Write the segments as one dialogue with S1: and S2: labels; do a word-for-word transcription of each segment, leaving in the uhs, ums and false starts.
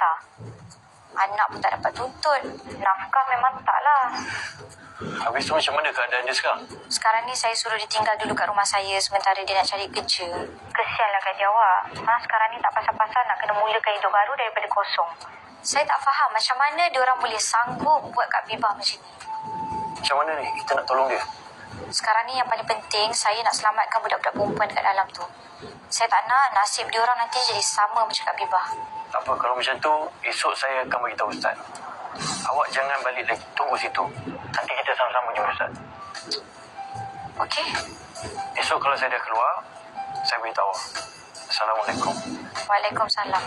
S1: besar. Anak pun tak dapat tuntut. Nafkah memang taklah.
S2: Habis tu macam mana keadaan dia sekarang?
S1: Sekarang ni saya suruh dia tinggal dulu kat rumah saya sementara dia nak cari kerja. Kesianlah gaji awak. Ha, sekarang ni tak pasal-pasal nak kena mulakan hidup baru daripada kosong. Saya tak faham macam mana dia orang boleh sanggup buat Kak Bibah macam ni.
S2: Macam mana ni kita nak tolong dia?
S1: Sekarang ni yang paling penting, saya nak selamatkan budak-budak perempuan dekat dalam tu. Saya tak nak nasib dia orang nanti jadi sama macam Kak Bibah.
S2: Tak apa, kalau macam tu, esok saya akan beritahu Ustaz. Awak jangan balik lagi, tunggu situ. Nanti kita sama-sama jumpa Ustaz.
S1: Okey?
S2: Esok kalau saya dah keluar, saya beritahu. Assalamualaikum.
S1: Waalaikumsalam.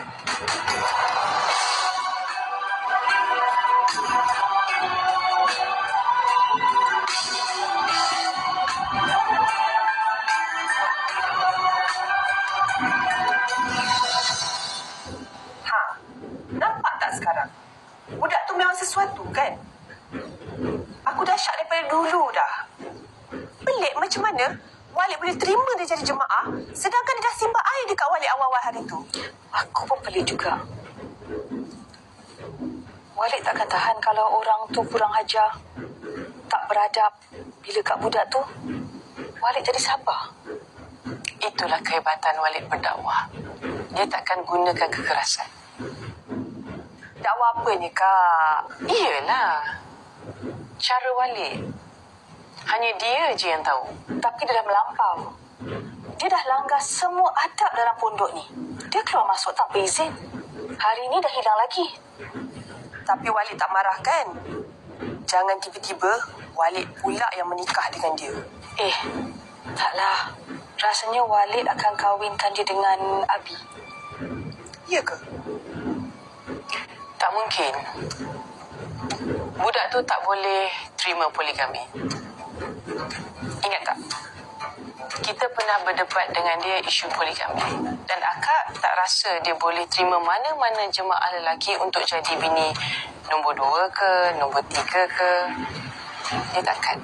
S3: Ha, nampak tak sekarang? Budak tu memang sesuatu kan? Aku dah syak daripada dulu dah. Pelik macam mana Walid boleh terima dia jadi jemaah sedangkan dia dah simbah air dekat Walid awal-awal hari tu.
S4: Aku pun pelik juga. Walid takkan tahan kalau orang tu kurang ajar, tak beradab. Bila kat budak tu, Walid jadi sabar. Itulah kehebatan Walid berdakwah. Dia takkan gunakan kekerasan.
S3: Dakwah apa ni, Kak?
S4: Iyalah. Cara Walid. Hanya dia je yang tahu. Tapi dia dah melampau. Dia dah langgar semua adab dalam pondok ni. Dia keluar masuk tanpa izin. Hari ni dah hilang lagi.
S3: Tapi Walid tak marah kan? Jangan tiba-tiba Walid pula yang menikah dengan dia.
S4: Eh, taklah. Rasanya Walid akan kahwinkan dia dengan Abi.
S3: Ya ke?
S4: Tak mungkin. Budak tu tak boleh terima poligami. Ingat tak? Kita pernah berdebat dengan dia isu poligami. Dan akak tak rasa dia boleh terima mana-mana jemaah lelaki untuk jadi bini nombor dua ke, nombor tiga ke. Dia takkan.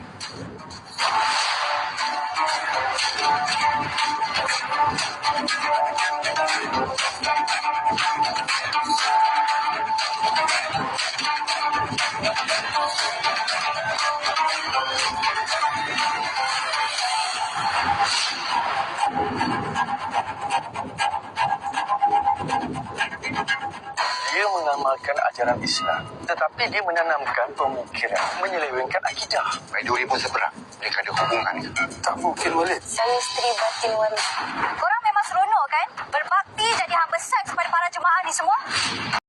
S2: Dia mengamalkan ajaran Islam, tetapi dia menanamkan pemikiran menyelewengkan akidah.
S5: Baik dua ribu seberang. Mereka ada hubungan ke?
S2: Tak mungkin, Walid.
S4: Saya isteri batin Walid.
S1: Korang memang seronok kan? Berbakti jadi hamba seks kepada para jemaah ni semua?